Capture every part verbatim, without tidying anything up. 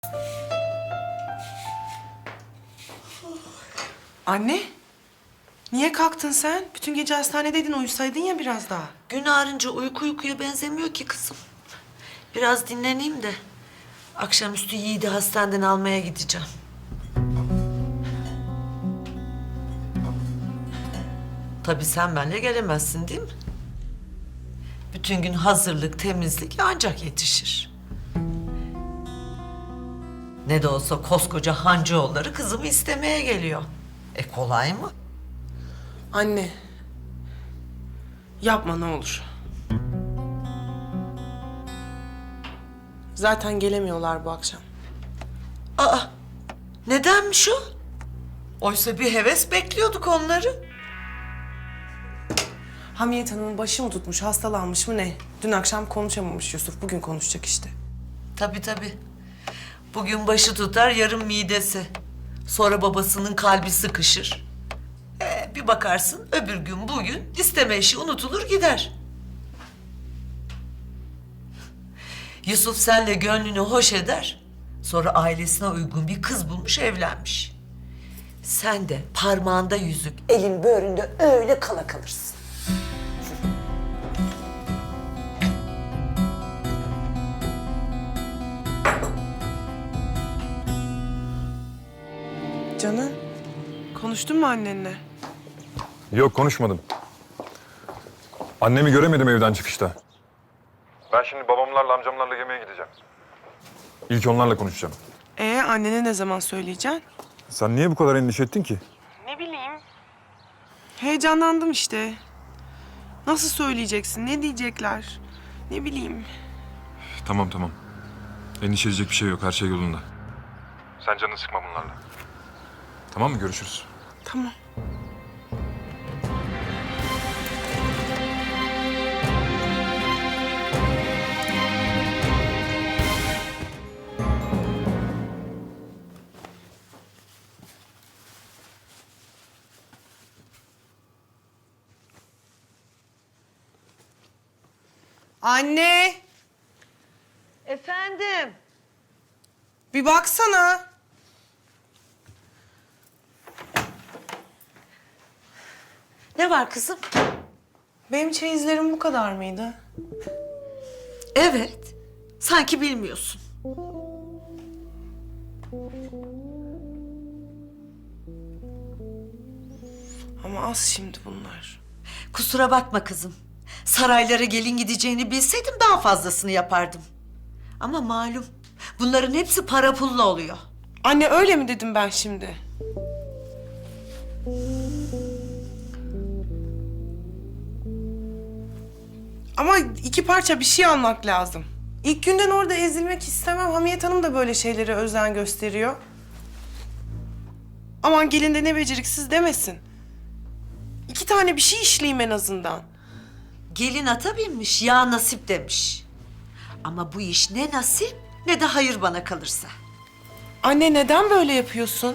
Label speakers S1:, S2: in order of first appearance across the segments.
S1: Anne, niye kalktın sen? Bütün gece hastanedeydin, uyusaydın ya biraz daha.
S2: Gün ağrınca uyku uykuya benzemiyor ki kızım. Biraz dinleneyim de akşamüstü Yiğit'i hastaneden almaya gideceğim. Tabii sen benimle gelemezsin değil mi? Bütün gün hazırlık, temizlik ancak yetişir. Ne de olsa koskoca Hancıoğulları kızımı istemeye geliyor. E kolay mı?
S1: Anne, yapma ne olur. Zaten gelemiyorlar bu akşam.
S2: Aa, nedenmiş o? Oysa bir heves bekliyorduk onları.
S1: Hamiyet Hanım'ın başı mı tutmuş, hastalanmış mı ne? Dün akşam konuşamamış Yusuf, bugün konuşacak işte.
S2: Tabii tabii. Bugün başı tutar, yarın midesi. Sonra babasının kalbi sıkışır. Ee, bir bakarsın öbür gün bugün isteme işi unutulur gider. Yusuf senle gönlünü hoş eder. Sonra ailesine uygun bir kız bulmuş, evlenmiş. Sen de parmağında yüzük, elin böğründe öyle kala kalırsın.
S1: Canım, konuştun mu annenle?
S3: Yok, konuşmadım. Annemi göremedim evden çıkışta. Ben şimdi babamlarla, amcamlarla yemeğe gideceğim. İlk onlarla konuşacağım.
S1: Ee, annene ne zaman söyleyeceksin?
S3: Sen niye bu kadar endişe ettin ki?
S1: Ne bileyim. Heyecanlandım işte. Nasıl söyleyeceksin, ne diyecekler? Ne bileyim.
S3: Tamam, tamam. Endişe edecek bir şey yok, her şey yolunda. Sen canını sıkma bunlarla. Tamam mı? Görüşürüz.
S1: Tamam. Anne,
S2: Efendim?
S1: bir baksana.
S2: Ne var kızım?
S1: Benim çeyizlerim bu kadar mıydı?
S2: Evet. Sanki bilmiyorsun.
S1: Ama az şimdi bunlar.
S2: Kusura bakma kızım. Saraylara gelin gideceğini bilseydim daha fazlasını yapardım. Ama malum bunların hepsi para pulla oluyor.
S1: Anne öyle mi dedim ben şimdi? Ama iki parça bir şey almak lazım. İlk günden orada ezilmek istemem. Hamiyet Hanım da böyle şeylere özen gösteriyor. Aman gelin de ne beceriksiz demesin. İki tane bir şey işleyeyim en azından.
S2: Gelin ata binmiş, ya nasip demiş. Ama bu iş ne nasip ne de hayır bana kalırsa.
S1: Anne neden böyle yapıyorsun?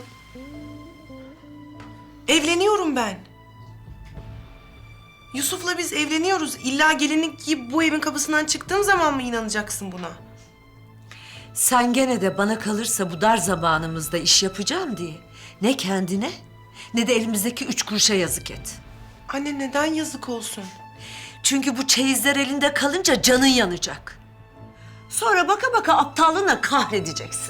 S1: Evleniyorum ben. Yusuf'la biz evleniyoruz. İlla gelinlik giyip bu evin kapısından çıktığım zaman mı inanacaksın buna?
S2: Sen gene de bana kalırsa bu dar zamanımızda iş yapacağım diye ne kendine ne de elimizdeki üç kuruşa yazık et.
S1: Anne neden yazık olsun?
S2: Çünkü bu çeyizler elinde kalınca canın yanacak. Sonra baka baka aptallığına kahredeceksin.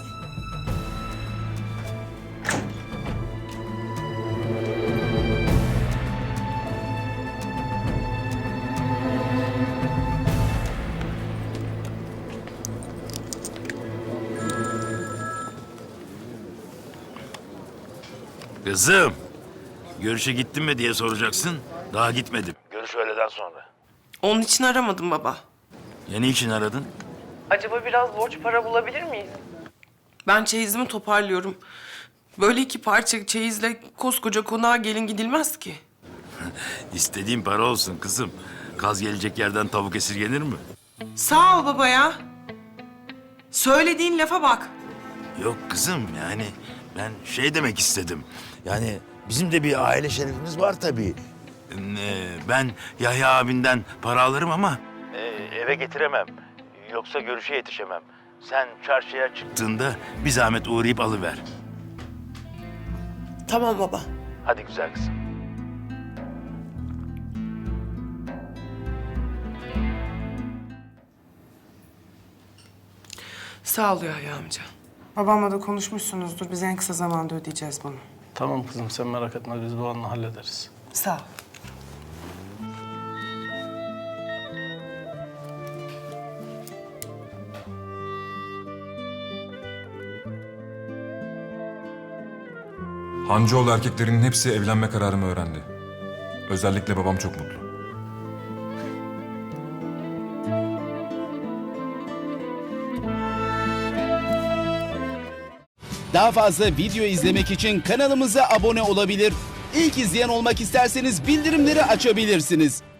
S4: Kızım, görüşe gittin mi diye soracaksın. Daha gitmedim. Görüş öğleden sonra.
S1: Onun için aramadım baba.
S4: Ya ne için aradın?
S1: Acaba biraz borç para bulabilir miyiz? Ben çeyizimi toparlıyorum. Böyle iki parça çeyizle koskoca konağa gelin gidilmez ki.
S4: İstediğin para olsun kızım. Kaz gelecek yerden tavuk esirgenir mi?
S1: Sağ ol baba ya. Söylediğin lafa bak.
S4: Yok kızım, yani ben şey demek istedim. Yani bizim de bir aile şerefimiz var tabii. Ee, ben Yahya abinden para alırım ama... eve getiremem. Yoksa görüşe yetişemem. sen çarşıya çıktığında bir zahmet uğrayıp alıver.
S1: Tamam baba.
S4: Hadi güzel kızım.
S1: Sağ ol Yahya amca.
S5: Babamla da konuşmuşsunuzdur. Biz en kısa zamanda ödeyeceğiz bunu.
S6: Tamam kızım sen merak etme biz bu anla hallederiz.
S1: Sağ ol.
S3: Hancıoğlu erkeklerinin hepsi evlenme kararımı öğrendi. Özellikle babam çok mutlu.
S7: Daha fazla video izlemek için kanalımıza abone olabilir. İlk izleyen olmak isterseniz bildirimleri açabilirsiniz.